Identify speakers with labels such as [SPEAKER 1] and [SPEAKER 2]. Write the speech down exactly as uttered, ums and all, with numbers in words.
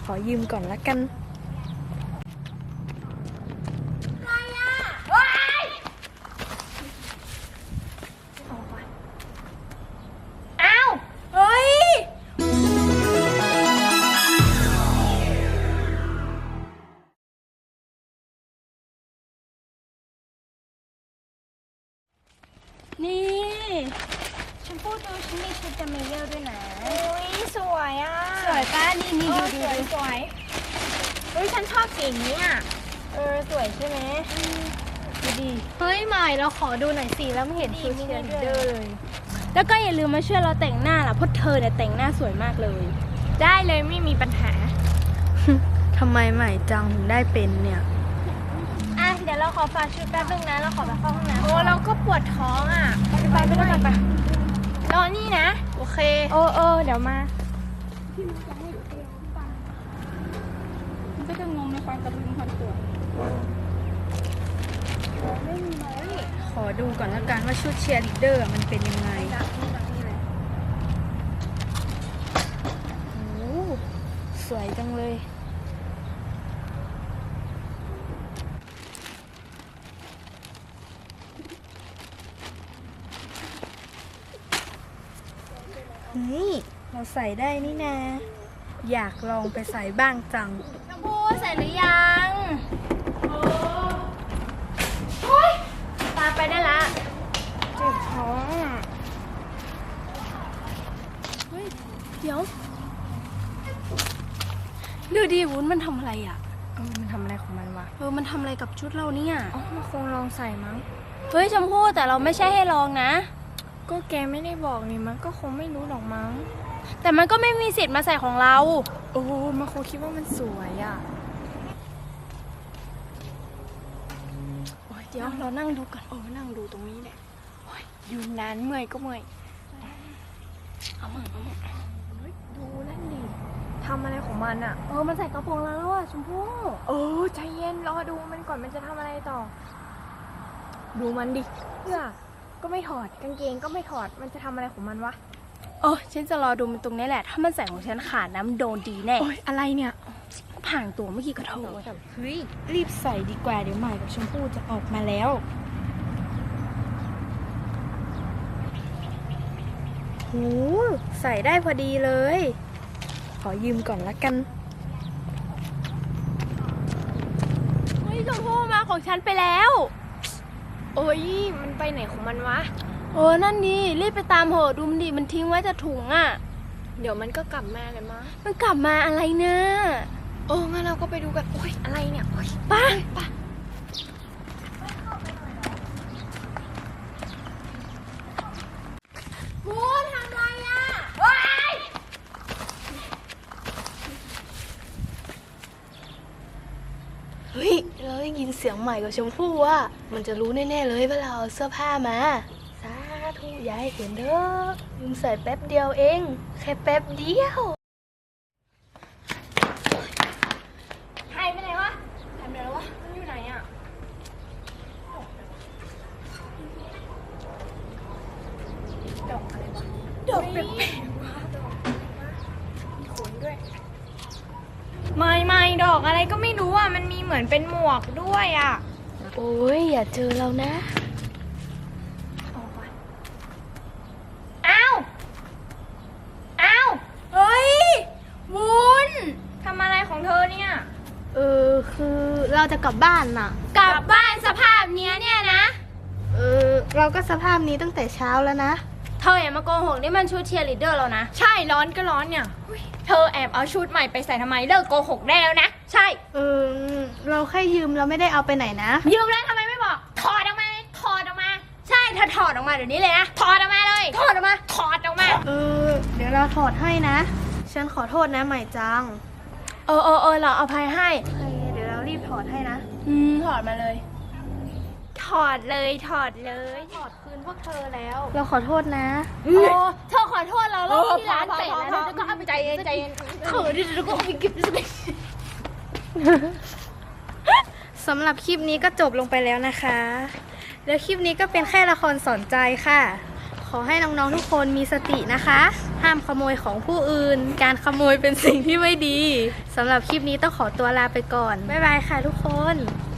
[SPEAKER 1] ขอยืมก่อนละกัน
[SPEAKER 2] อะไรอ่ะว้ายอ้าวเฮ้ย
[SPEAKER 1] นี่
[SPEAKER 2] ฉันพูดดูฉันมีชุดจาเมเยอร์ด้วยนะอุ้ยสวยอ่ะ
[SPEAKER 1] สวยป้านี่นี่ดูดู
[SPEAKER 2] สวยสวยเฮ้ยฉันชอบสีนี้อ่ะเออสวยใช่ไหม
[SPEAKER 1] ดูดีเฮ้ยใหม่เราขอดูหน่อยสิแล้วไม่เห็นชุดเชียร์ลีดเดอร์เลย
[SPEAKER 2] แล้วก็อย่าลืมมาช่วยเราแต่งหน้าล่ะเพราะเธอเนี่ยแต่งหน้าสวยมากเลย ได้เลยไม่มีปัญหา
[SPEAKER 1] ทำไมใหม่จังถึงได้เป็นเนี่ย
[SPEAKER 2] อ่ะเดี๋ยวเราขอฝากชุดแป๊บนึงนะเราขอไปเข้าห้องน้ำโอ้เราก็ปวดท้องอ่ะไปไปไปด้วยกันไปรอนี่นะ
[SPEAKER 1] โอเค
[SPEAKER 2] โอ้เออเดี๋ยวมา
[SPEAKER 1] มันก็จะงงในความกระพือความสวย
[SPEAKER 2] ไม่มีไหม
[SPEAKER 1] ขอดูก่อนละกันว่าชุดเชียร์ลีดเดอร์มันเป็นยังไงโอ้สวยจังเลยนี่เราใส่ได้นี่นะอยากลองไปใส่บ้างจัง
[SPEAKER 2] น้ำพูใส่หรือยังโอ้ยตาไปได้ละเจ็บท้องอ่ะ
[SPEAKER 1] เฮ้ยเดี๋ยวดูดิวุ้นมันทำอะไรอ่ะ
[SPEAKER 2] เออมันทำอะไรของมันวะ
[SPEAKER 1] เออมันทำอะไรกับชุดเราเนี่ย
[SPEAKER 2] อ๋อมันคงลองใส่มั้ง
[SPEAKER 1] เฮ้ยชมพู่แต่เราไม่ใช่ให้ลองนะ
[SPEAKER 2] ก็แกไม่ได้บอกนี่มันก็คงไม่รู้หรอกมั้ง
[SPEAKER 1] แต่มันก็ไม่มีสิทธิ์มาใส่ของเรา
[SPEAKER 2] โอ้มันคงคิดว่ามันสวยอ่ะ
[SPEAKER 1] โอ้ยเดี๋ยวเรานั่งดูก่อนโอ้นั่งดูตรงนี้แหละ
[SPEAKER 2] โอ้ยอยู่นานเมื่อยก็เมื่อย
[SPEAKER 1] เอามือเอามือ
[SPEAKER 2] ดูนั่นดิทำอะไรของมันอ่ะ
[SPEAKER 1] เออมันใส่กระโปรงแล้วอ่ะชมพู่
[SPEAKER 2] เออใจเย็นรอดูมันก่อนมันจะทำอะไรต่อดูมันดิเพื่อก็ไม่ถอดกางเกงก็ไม่ถอดมันจะทำอะไรของมันวะ
[SPEAKER 1] โอ้ฉันจะรอดูมันตรงนี้แหละถ้ามันใส่ของฉันขาดน้ำโดนดีแน่
[SPEAKER 2] โอ้ยอะไรเนี่ย
[SPEAKER 1] ผ่างตัวเมื่อกี้กระโถเฮ้ยรีบใส่ดีกว่าเดี๋ยวใหม่กับชมพู่จะออกมาแล้วโหใส่ได้พอดีเลยขอยืมก่อนละกันเฮ้ยชมพู่มาของฉันไปแล้ว
[SPEAKER 2] โอ้ยมันไปไหนของมันวะ
[SPEAKER 1] เออนั่นดีรีบไปตามเหอะดูมันดิมันทิ้งไว้แต่ถุงอ่ะ
[SPEAKER 2] เดี๋ยวมันก็กลับมาเลยมั้ง
[SPEAKER 1] มันกลับมาอะไรนะ
[SPEAKER 2] โอ้งั้นเราก็ไปดูกันโอ้ยอะไรเนี่ยโอ้ย
[SPEAKER 1] ป้า
[SPEAKER 2] ป้าพูดทำไรอ่ะว้าย
[SPEAKER 1] เฮ้ยเราได้ยินเสียงใหม่กับชมพู่ว่ามันจะรู้แน่ๆเลยว่าเราเอาเสื้อผ้ามาสาธุอย่าให้เห็นเด้อยืมใส่แป๊บเดียวเองแค่แป๊บเดียว
[SPEAKER 2] หายไปไหนวะหายไปไหนแล้ววะมันอยู่ไหนอ่ะดอกอะไรวะดอกแปลกๆวะดอกมีขนด้วยไม่ไม่ดอกอะไรก็ไม่รู้อ่ะมันมีเหมือนเป็นหมวกด้วยอ่ะ
[SPEAKER 1] โอ้ยอย่าเจอเรานะ
[SPEAKER 2] อ้าวอ้าวเฮ้ยวุ้นทำอะไรของเธอเนี่ย
[SPEAKER 1] เออคือเราจะกลับบ้านน่ะ
[SPEAKER 2] กลับบ้านสภาพเนี้ยเนี่ยนะ
[SPEAKER 1] เออเราก็สภาพนี้ตั้งแต่เช้าแล้วนะ
[SPEAKER 2] เธออย่ามาโกหกนี่มันชุดเชียร์ลีดเดอร์เรานะใช่ร้อนก็ร้อนเนี่ยเธอแอบเอาชุดใหม่ไปใส่ทำไมเลิกโกหกได้แล้วนะใช่
[SPEAKER 1] เออเราแค่ยืมเราไม่ได้เอาไปไหนนะ
[SPEAKER 2] ยืมแล้วทำไมไม่บอกถอดออกมาถอดออกมาใช่เธอถอดออกมาเดี๋ยวนี้เลยนะถอดออกมาเลยถอดออกมาถอดออกมา
[SPEAKER 1] เออเดี๋ยวเราถอดให้นะฉันขอโทษนะใหม่จัง
[SPEAKER 2] เออเออเออเราอภัยให้
[SPEAKER 1] เดี๋ยวเรารีบถอดให้นะ
[SPEAKER 2] อืมถอดมาเลยถอดเลยถอดเลย
[SPEAKER 1] ถอดคืนพวกเธอแล้วเราขอโทษนะ
[SPEAKER 2] โอ้เธอขอโทษเราแล้วที่ร้านเตะแล้วแล้วก็เอาไปใจเย็นใจเย็นเขินดิแล้วก็เอาไปเก็บเลย
[SPEAKER 1] สำหรับคลิปนี้ก็จบลงไปแล้วนะคะแล้วคลิปนี้ก็เป็นแค่ละครสอนใจค่ะขออให้น้องๆทุกคนมีสตินะคะ ห้ามขโมยของผู้อื่น การขโมยเป็นสิ่งที่ไม่ดีสำหรับคลิปนี้ต้องขอตัวลาไปก่อนบ๊ายบายค่ะทุกคน